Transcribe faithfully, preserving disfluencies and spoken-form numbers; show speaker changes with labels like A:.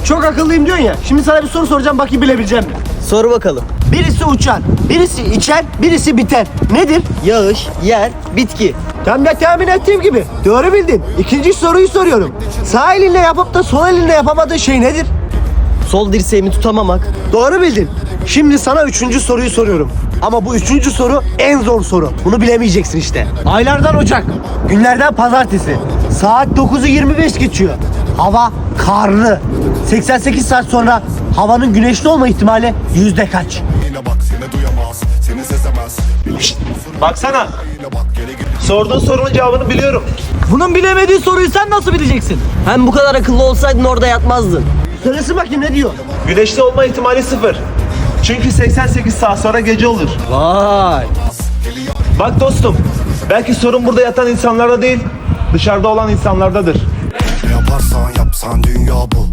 A: Çok akıllıyım diyorsun ya. Şimdi sana bir soru soracağım, bakayım bilebileceğim mi?
B: Sor bakalım.
A: Birisi uçar, birisi içer, birisi biter. Nedir?
B: Yağış, yer, bitki.
A: Tam da tahmin ettiğim gibi. Doğru bildin. İkinci soruyu soruyorum. Sağ elinle yapıp da sol elinle yapamadığın şey nedir?
B: Sol dirseğimi tutamamak.
A: Doğru bildin. Şimdi sana üçüncü soruyu soruyorum. Ama bu üçüncü soru en zor soru. Bunu bilemeyeceksin işte. Aylardan Ocak, günlerden Pazartesi. Saat dokuzu yirmi beş geçiyor. Hava karlı. seksen sekiz saat sonra havanın güneşli olma ihtimali yüzde kaç?
C: Yine bak seni duyamaz, seni sezemez.
D: Baksana. Sorduğun sorunun cevabını biliyorum.
E: Bunun bilemediği soruyu sen nasıl bileceksin?
B: Hem bu kadar akıllı olsaydın orada yatmazdın.
A: Söylesin bakayım ne diyor?
D: Güneşli olma ihtimali sıfır. Çünkü seksen sekiz saat sonra gece olur.
B: Vay.
D: Bak dostum, belki sorun burada yatan insanlarda değil, dışarıda olan insanlardadır.
C: Ne yaparsan yapsan dünya bu.